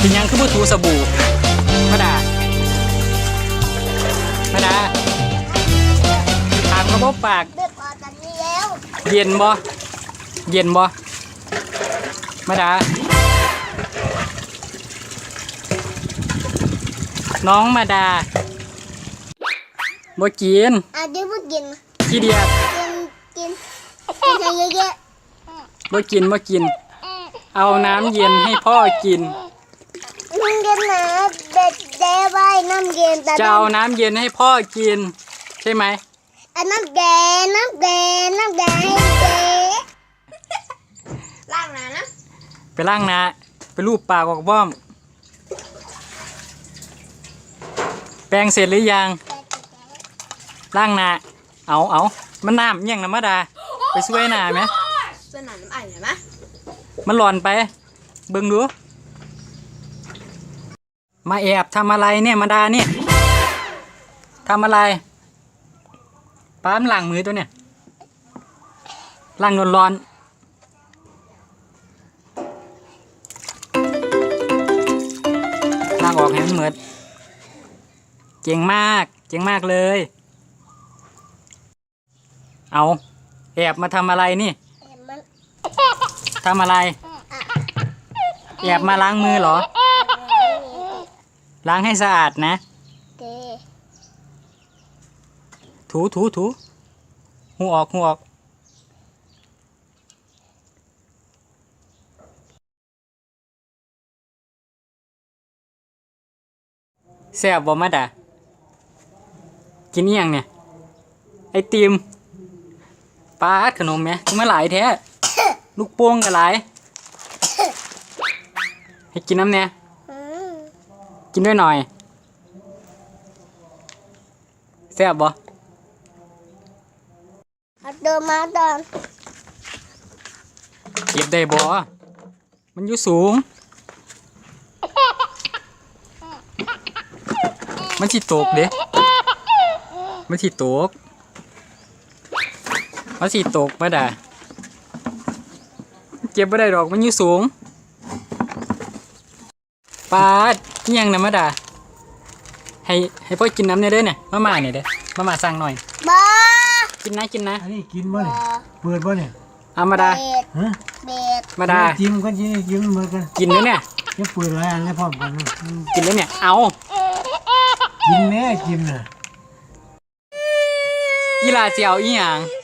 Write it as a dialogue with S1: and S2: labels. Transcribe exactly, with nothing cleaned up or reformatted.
S1: เป็นยังคือบ่ถูสบู่มาดามาดาถามกระบอกปากเย็นบ่เย็นบ่มาดาน้องมาดาบ่กิน
S2: อ่ะเดี๋ยวบ่กิน
S1: ขี้เดียด
S2: กินกินกินให้เยอะ
S1: ๆบ่กินบ่กินเอาน้ำเย็นให้พ่อกิน
S2: น้ำเย็นนะเด็ดเด้ไว้น้ำเย็นแต่
S1: จะเอาน้ำเย็นให้พ่อกินใช่ไหม
S2: อันน้ำแดงน้ำแดงน้ำแดงให้เจ๊ล้างหน้านะ
S1: ไปล้างหน้าไปลูบปากออกบ้อมแปรงเสร็จหรือยังล้างหน้าเอาเอามันน้ำยังนะมาดาไปช่วยหน้าไหม
S2: ช่วยหน้าน้ำไอ้เห็นไหม
S1: มันหลอนไปเบิ่งดูมาแอบทำอะไรเนี่ยมาดาเนี่ยทำอะไรป้ามล้างมือตัวเนี่ยล้างร้อนๆล้างออกให้มันเหมือนเจ๋งมากเจ๋งมากเลยเอาแอบมาทำอะไรนี่ทำอะไรแอบมาล้างมือเหรอล้างให้สะอาดนะถูถูถูหูออกหูออกแซ่บบ่มาดากินยังเนี่ยไอติมปลาขนมไหมมาหลายแท้ลูกโป่งกันหลายให้กินน้ำเนี่ยกินด้วยหน่อยแซ่บบ่
S2: เดินมาตอน
S1: เก็บได้บ่มันอยู่สูงมันสิตกเด้มันสิตกมันสิตกมาด่าเก็บไม่ได้ดอกมันอยู่สูงปาดยังนะมาด่าให้ให้พ่อกินน้ำเนี่ยเด้อเนี่ยมาม่าเนี่ยเด้อมาม่าสั่งหน่อย
S2: บ้า
S1: กินนะกินนะ
S3: อันนี้กินบ่เนี่ยเปิดบ่เนี่ย
S1: เอามาดา
S3: ฮะ
S2: เบ็ด
S1: มาดา
S3: จิ้มกันจิ้มจิ้มเหมือนกัน
S1: กินแล้วเนี่ย
S3: จะเปิดหลายอันแล้วพร้อมกัน
S1: กินแล้วเนี่ยเอา
S3: กินแม่จิ้มน่ะ
S1: อีหลาเจียวอีหยัง